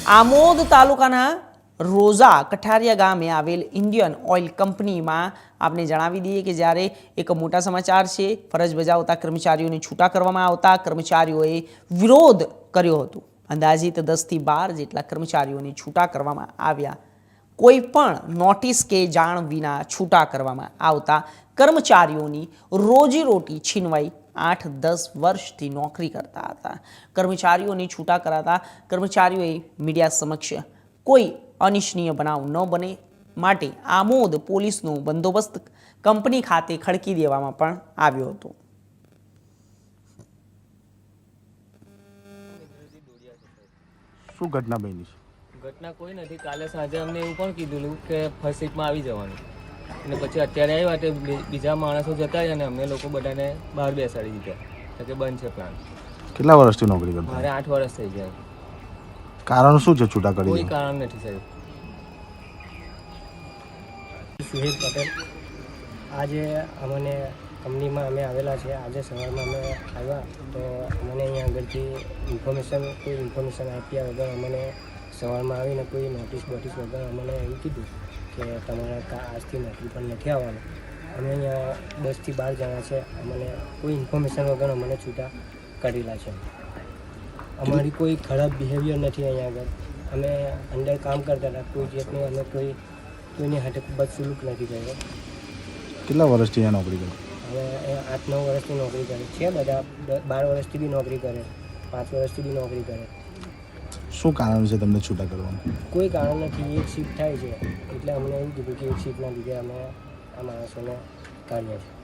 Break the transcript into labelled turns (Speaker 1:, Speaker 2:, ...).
Speaker 1: આમોદ તાલુકાના રોઝા કઠારિયા ગામે આવેલ ઇન્ડિયન ઓઇલ કંપનીમાં આપને જણાવી દઈએ કે જ્યારે એક મોટા સમાચાર છે. ફરજ બજાવતા કર્મચારીઓને છૂટા કરવામાં આવતા કર્મચારીઓએ વિરોધ કર્યો હતો. અંદાજિત 10 થી 12 જેટલા કર્મચારીઓને છૂટા કરવામાં આવ્યા. કોઈ પણ નોટિસ કે જાણ વિના છૂટા કરવામાં આવતા કર્મચારીઓની રોજીરોટી છીનવાઈ 8-10 વર્ષથી નોકરી કરતા હતા. કર્મચારીઓને છૂટા કરાતા કર્મચારીઓએ મીડિયા સમક્ષ કોઈ અનિચ્છનીય બનાવ ન બને માટે આમોદ પોલીસનો બંદોબસ્ત કંપની ખાતે ખડકી દેવામાં પણ આવ્યો હતો.
Speaker 2: શું ઘટના બની છે?
Speaker 3: ઘટના કોઈ નથી. કાલે સાંજે અમને એવું પણ કીધું કે ફર્સ્ટ સીટમાં આવી જવાનું, અને પછી અત્યારે આવ્યા તે બીજા માણસો જતા રહ્યા અને અમે લોકો બધાને બહાર બેસાડી દીધા કે બંધ છે પ્લાન.
Speaker 2: કેટલા વર્ષથી નોકરી કરતા?
Speaker 3: મારે 8 વર્ષ થઈ ગયા.
Speaker 2: કારણ શું છે છૂટા કરી?
Speaker 3: કોઈ કારણ નથી સાહેબ.
Speaker 4: સુહેલ પટેલ. આજે અમને કંપનીમાં અમે આવેલા છે. આજે સવારમાં અમે આવ્યા તો અમને અહીંયા આગળથી કોઈ ઇન્ફોર્મેશન આપ્યા વગર અમને સવારમાં આવીને કોઈ નોટિસ વગર અમને એવું કીધું કે તમારે આજથી નોકરી પર નથી આવવાનું. અમે અહીંયા 10 થી 12 જણા છે. અમને કોઈ ઇન્ફોર્મેશન વગર અમને છૂટા કરેલા છે. અમારી કોઈ ખરાબ બિહેવિયર નથી. અહીંયા આગળ અમે અંદર કામ કરતા હતા. કોઈ જાતની અમે કોઈની હાથે બદસલુક નથી કર્યો.
Speaker 2: કેટલા વર્ષથી અહીંયા નોકરી કરી?
Speaker 4: હવે 8-9 વર્ષથી નોકરી કરે છે. બધા 12 વર્ષથી બી નોકરી કરે, 5 વર્ષથી બી નોકરી કરે.
Speaker 2: શું કારણ છે તમને છૂટા કરવાનું?
Speaker 4: કોઈ કારણ નથી. એક શિફ્ટ થાય છે એટલે અમને એવું કીધું કે એક શિફ્ટના લીધે અમે આ માણસોને કાઢ્યા છે.